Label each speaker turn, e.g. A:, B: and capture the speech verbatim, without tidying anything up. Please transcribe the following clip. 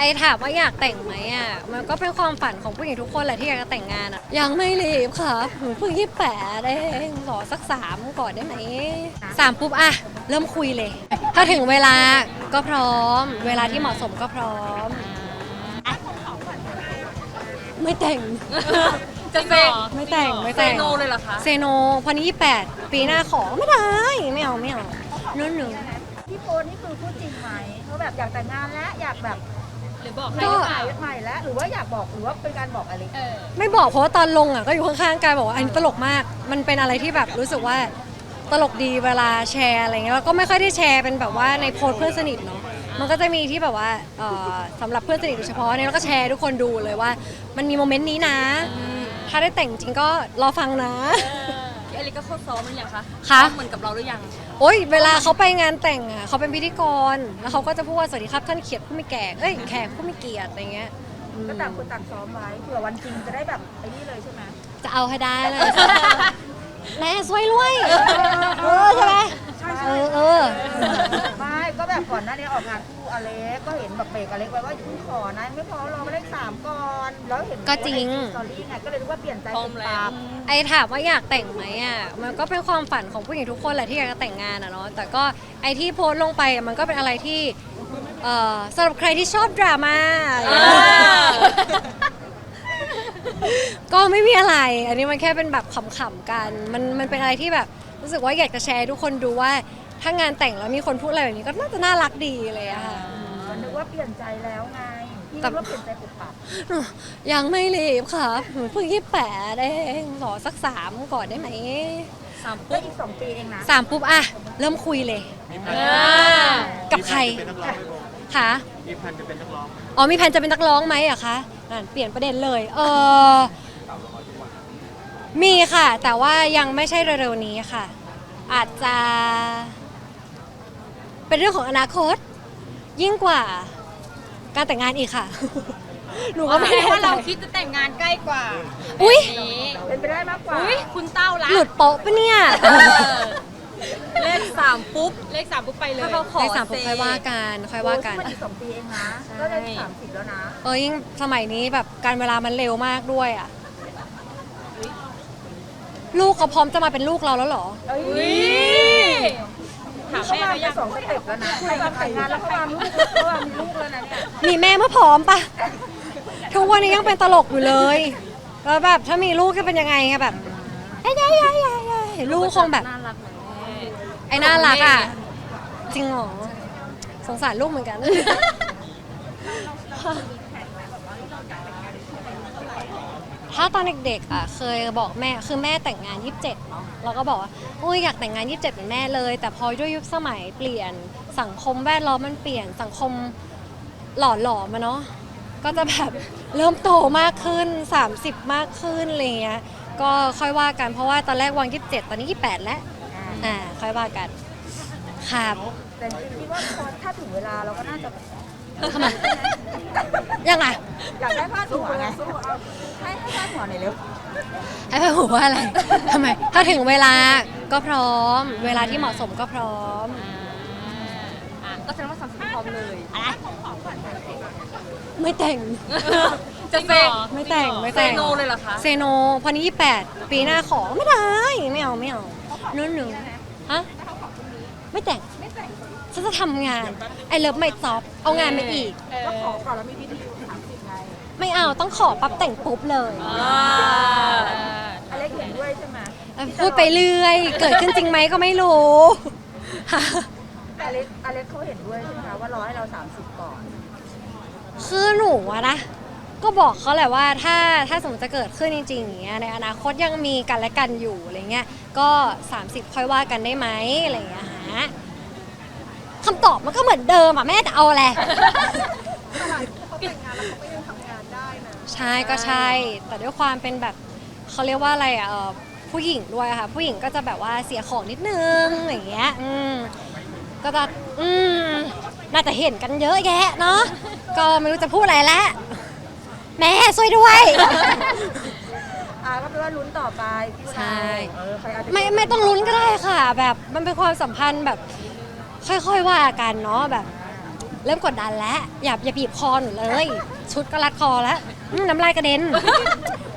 A: อถามว่าอยากแต่งไหมอ่ะมันก็เป็นความฝันของผู้หญิงทุกคนแหละที่อยากจะแต่งงานอ่ะยังไม่รีบครับหนูเพิ่งยี่สิบแปดเองรอสักสามก่อนได้ไหมสามปุ๊บอะเริ่มคุยเลย ถ้าถึงเวลาก็พร้อม เวลาที่เหมาะสมก็พร้อมอะไม่แต่ง
B: จะเซ
A: ไม่แต่งไม่
B: เซ
A: แต่ง
B: โนเลยเหรอคะ
A: เซโนพอนี้ยี่สิบแปดปีหน้าขอไม่ได้ไม่เอาไม่เอานู่นหนู
C: พี่โพสนี่คือพูดจริงไหมเขาแบบอยากแต่งงานแล้วอยากแบบ
B: หรือบอกให้
A: ก็
B: หรือเปล่า
C: ใหม่แล้วหรือว่าอยากบอกหรือว่าเป็นการบอกอะไร
B: เออ
A: ไม่บอกเพราะว่าตอนลงอ่ะก็อยู่ข้างๆกายบอกว่าอันนี้ตลกมาก มันเป็นอะไรที่แบบรู้สึกว่าตลกดีเวลาแชร์อะไรเงี้ยแล้วก็ไม่ค่อยได้แชร์เป็นแบบว่าในโพสต์เพื่อนสนิทเนาะมันก็จะมีที่แบบว่าเอ่อสำหรับเพื่อนสนิทโดยเฉพาะเนี่ยเราก็แชร์ทุกคนดูเลยว่า มันมีโมเมนต์นี้นะ ถ้าได้แต่งจริงก็รอฟังนะ
B: พี่อลิก็เข้าซ้อมหรือยังคะ
A: คะ
B: ซ้อมเหมือนกับเราหรือยัง
A: โอ๊ยเวลาเขาไปงานแต่งอ่ะเขาเป็นพิธีกรแล้วเขาก็จะพูดว่าสวัสดีครับท่านเขียดผู้มีแก่เอ้ยแขกผู้มีเกียรติอะไรเงี้ยอืม
C: ก็ต่างคนต่างซ้อมไว้เผื่อวันจริงจะได้แบบไอ้นี่เลยใช่ไหม
A: จะเอาให้ได้เลย แม่สวยรวยเออใช่ไหมเออเออ
C: ไม่ก็แบบก่อนหน้านี้ออกงานคู่อเล็กก็เห็นแบบเบรกอเล็กไว้ว่าอย่าเพิ่งขอนะไม่พอรอมาเลขสามก่อนแล้วเห็น
A: ก็จริง
C: สตอรี่ไงก็เลยรู้ว่าเปลี่ยนใจ
B: พร้อม
C: เป็น
B: แล้
C: ตาว ม
A: ไอถามว่าอยากแต่งไหมอ่ะมันก็เป็นความฝันของผู้หญิงทุกคนแหละที่อยากจะแต่งงานอ่ะเนาะแต่ก็ไอที่โพสต์ลงไปอะมันก็เป็นอะไรที่เอ่อสำหรับใครที่ชอบดราม่า ก็ไม่มีอะไร อันนี้มันแค่เป็นแบบขำๆกัน มันมันเป็นอะไรที่แบบรู้สึกว่าอยากจะแชร์ให้ทุกคนดูว่า ถ้างานแต่งแล้วมีคนพูดอะไรแบบนี้ก็น่าจะน่ารักดีเลยอะค่ะ
C: ก็นึกว่าเปลี่ยนใจแล้วไงพี่
A: แต่
C: นึกว่าเปลี่ยนใจปุบปับ
A: ยังไม่รีบครับหนูเพิ่งยี่สิบแปดเองรอสักสามก่อนได้ไหม
B: สาม
C: ก็
B: ปุ๊บ
C: อีกสองปีเองนะ
A: สามปุ๊บอะเริ่มคุยเลย
B: อ่า
A: กับใคร
D: เป็นนักร้องไหมโบ
A: คะ
D: มีแพลนจะเป็นนักร้องไหม
A: อ๋อมีแผนจะเป็นนักร้องไหมอะคะอ่านเปลี่ยนประเด็นเลย เออมีค่ะ แต่ว่ายังไม่ใช่เร็วๆนี้ค่ะ อาจจะ เป็นเรื่องของอนาคต ยิ่งกว่า การแต่งงานอีกค่ะ หนูก็ไม่
B: แสด
A: แน่
B: งว่า
A: ใจ
B: เราคิดจะแต่งงานใกล้กว่า
A: อุ๊ย
B: แบบนี้
C: เป็นไปได้มากกว่า
B: อุ้ยคุณเต้าละ
A: หลุดโป๊ะปะเนี่ย
B: เออเลขสามปุ๊บ เลขสามปุ๊บไปเลย ถ้าเขาขอ
A: ในสามปุ๊บค่อยว่ากันค่อยว่ากัน
C: โอ้ยมันอีกสองปีเองนะก็ได้สามสิบแล้วนะ
A: เออยิ่งสมัยนี้แบบการเวลามันเร็วมากด้วยอ่ะ ลูกเขาพร้อมจะมาเป็นลูกเราแล้วเหรอ
C: เอ้ย
B: อุ้ยถาม
C: เขา
B: แม่
C: มา
B: เขา
C: ไป
B: ยัง
C: สองสเต็ปแล้วนะเขามาแต่งงานแล้วเขามาลูกเขามามีลูกแล้วนะเนี่ย
A: มีแม่เมื่อพร้อมปะทุกวันนี้ยังเป็นตลกอยู่เลย แล้วแบบถ้ามีลูกจะเป็นยังไงอะแบบเอ้ยยายยายยายลูกคงแบบ
B: น่ารักไหม
A: ไอ้น่ารักอ่ะ จริงเหรอ สงสารลูกเหมือนกัน ถ้าตอนเด็กๆอ่ะเคยบอกแม่คือแม่แต่งงานยี่สิบเจ็ดเนาะเราก็บอกว่าโอ้ยอยากแต่งงานยี่สิบเจ็ดเหมือนแม่เลย แต่พอด้วยยุคสมัยเปลี่ยนสังคมแวดล้อมมันเปลี่ยนสังคมหล่อหลอมาเนาะก็จะแบบเริ่มโตมากขึ้นสามสิบมากขึ้นอะไรเงี้ยก็ค่อยว่ากันเพราะว่าตอนแรกวางยี่สิบเจ็ดตอนนี้ยี่สิบแปดแล้วอ่าค่อยว่ากันครับ
C: แต่จริงๆคิดว่าพอถ้าถึงเวลาเราก็น่าจะ
A: ทำไมยังไง
C: อยากได้ผ้าหัวไงให้ให้ผ้าหัวหน่อยเร็ว
A: ให้ไปหัวว่าอะไร ทำไม ถ้าถึงเวลาก็พร้อม เวลาที่เหมาะสมก็พร้อม
B: อ่ะก็แสดงว่าสามสิบพร้อมเลย
A: อะไร ไม่แต่ง
B: จะเซ
A: ไม่แต่งไม่
B: เซ
A: แต่ง
B: โนเลยเหรอคะ
A: เซโนพอนี้ยี่สิบแปดปีหน้าขอไม่ได้ ไม่เอาไม่เอานู่นหนึ่งฮะ ไม่แต่ง ฉันจะทำงาน ไอเลิฟไม่จอบ เอางานมาอีก
C: ก็ขอก่อนแล้วมีพิธีสามสิบไง
A: ไม่เอาต้องขอปั๊บแต่งปุ๊บเลย
B: อ่า
C: อเล็กเห็นด้วยใช่ไหม
A: พูดไปเรื่อย เกิดขึ้นจริงไหมก็ไม่รู้
C: อเล็กอเล็กเขาเห็นด้วยใช่ไหมคะว่ารอให้เราสามสิบก่อน
A: คือหนูอะนะก็บอกเขาแหละว่าถ้าถ้าสมมติจะเกิดขึ้นจริงๆอย่างเงี้ยในอนาคตยังมีกันและกันอยู่อะไรเงี้ยก็สามสิบค่อยว่ากันได้ไหมอะไรเงี้ยฮะคำตอบมันก็เหมือนเดิมอะแม่จะเอาอะไรใช่ก็ใช่ แต่ด้วยความเป็นแบบเขาเรียกว่าอะไรอะเอ่อผู้หญิงด้วยอะค่ะผู้หญิงก็จะแบบว่าเสียของนิดนึงอย่างเงี้ยอืมก็จะอืมน่าจะเห็นกันเยอะแยะเนาะก็ไม่รู้จะพูดอะไรแล้วแม่ช่วยด้วย
C: อ่าก็แปลว่าลุ้นต่อไปพี่
A: ใช่
C: เออใครอาจจะ
A: ไม่ไม่ต้องลุ้นก็ได้ค่ะ แบบมันเป็นความสัมพันธ์แบบค่อยๆว่ากันเนาะแบบเริ่มกดดันแล้วอย่าอย่าบีบคอหนูเลย ชุดก็รัดคอแล้วอืมน้ำลายกระเด็น